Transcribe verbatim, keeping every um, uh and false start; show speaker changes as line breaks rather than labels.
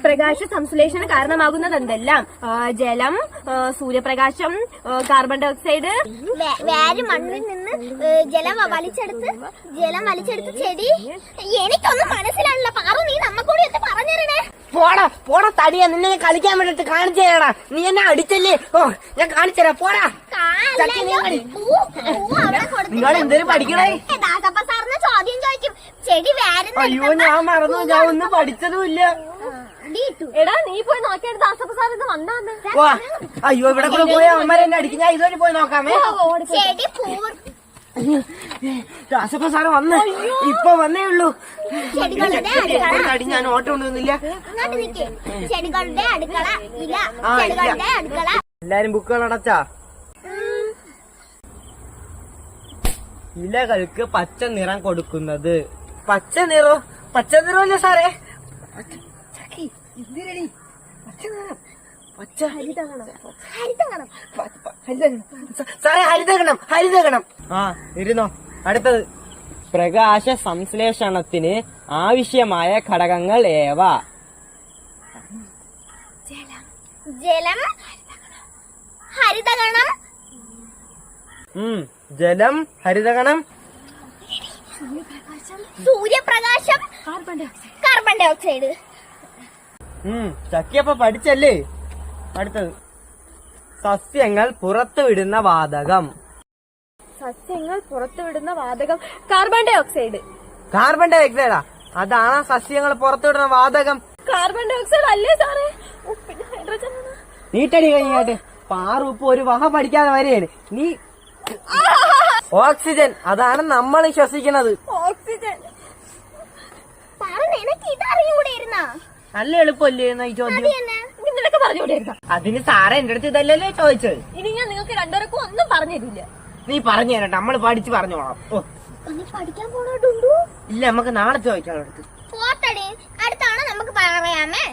പ്രകാശ സംശ്ലേഷണം കാരണമാകുന്നത് എന്തെല്ലാം? ജലം, സൂര്യപ്രകാശം, കാർബൺ ഡൈ ഓക്സൈഡ്.
വേര് മണ്ണിൽ നിന്ന് ജലം വലിച്ചെടുത്ത് ജലം വലിച്ചെടുത്ത് ചെടി. എനിക്കൊന്നും മനസ്സിലാവില്ല. പാറു, നീ നമ്മക്കൂടി ഒന്ന് പറഞ്ഞിരണേ.
പോടാ പോടാ തടിയാ, നിന്നെ കളിക്കാൻ വേണ്ടിട്ട് കാണിച്ചു തരാടാ. നീ എന്നെ അടിച്ചല്ലേ? ഓ ഞാൻ കാണിച്ചു തരാം. പോടാ. നിങ്ങൾ എന്തേലും പഠിക്കണേ?
സാറിന് ചോദ്യം ചോദിക്കും. ചെടി വേറെ.
അയ്യോ ഞാൻ മറന്നു, ഞാൻ ഒന്നും പഠിച്ചതുമില്ല.
എടാ നീ പോയി നോക്കിയാൽ ദാസപ്പ സാർ ഇത് വന്നാന്ന്.
അയ്യോ ഇവിടെ കൂടെ പോയി അമ്മമാരെ എന്നെ അടിക്കും. ഞാൻ ഇതുവരെ പോയി നോക്കാമേ.
ചെടി
ദാസപ്പ സാറ് വന്ന് ഇപ്പൊ വന്നേ ഉള്ളൂ.
ചെടികളുടെ
അടി ഞാൻ ഓട്ടം കൊണ്ടുവന്നില്ല.
ചെടികളുടെ അടുക്കള ഇല. ചെടികളുടെ അടുക്കള.
എല്ലാരും ബുക്കുകൾ അടച്ചാ? ഇലകൾക്ക് പച്ച നിറം കൊടുക്കുന്നത്. പച്ച നിറോ? പച്ച നിറമല്ലേ സാറേ? എന്തിനടി പച്ച നിറം? പച്ച ഹരിതകണം. സാറേ ഹരിതകണം, ഹരിതകണം. ആ ഇരുന്നോ. അടുത്തത് പ്രകാശ സംശ്ലേഷണത്തിന് ആവശ്യമായ ഘടകങ്ങൾ ഏവ?
ജലം, ഹരിതകണം.
ഉം ജലം, ഹരിതകണം,
സൂര്യപ്രകാശം, കാർബൺ ഡൈ ഓക്സൈഡ്.
ഉം ചക്കിയപ്പ പഠിച്ചല്ലേ. അടുത്തത് സസ്യങ്ങൾ പുറത്തുവിടുന്ന വാതകം.
സസ്യങ്ങൾ പുറത്തുവിടുന്ന വാതകം കാർബൺ ഡൈ ഓക്സൈഡ്.
കാർബൺ ഡൈ ഓക്സൈഡാ? അതാണ് സസ്യങ്ങൾ പുറത്തുവിടുന്ന വാതകം.
കാർബൺ ഡൈ ഓക്സൈഡ് അല്ലേ സാറേ? ഹൈഡ്രജൻ.
നീട്ടടി കഴിഞ്ഞാട്ട് പാറു ഇപ്പൊ ഒരു വഹ പഠിക്കാതെ വരെയാണ് നീ. ഓക്സിജൻ, അതാണ് നമ്മൾ ശ്വസിക്കുന്നത്.
ഓക്സിജൻ.
നല്ല എളുപ്പമല്ലേ ഈ ചോദ്യം?
നിനക്ക് പറഞ്ഞുകൊണ്ടിരുന്ന
അതിന് സാറേ എന്റെ അടുത്ത് ഇതല്ലല്ലോ ചോദിച്ചത്.
ഇനി ഞാൻ നിങ്ങൾക്ക് രണ്ടുപേർക്കും ഒന്നും പറഞ്ഞു തരില്ല.
നീ പറഞ്ഞു തരട്ടെ, നമ്മള് പഠിച്ച് പറഞ്ഞോളാം. ഓ
പഠിക്കാൻ പോണോട്ടുണ്ടോ?
ഇല്ല, നമുക്ക് നാളെ ചോദിക്കാം.
അടുത്താണ് നമുക്ക് പറയാമേ.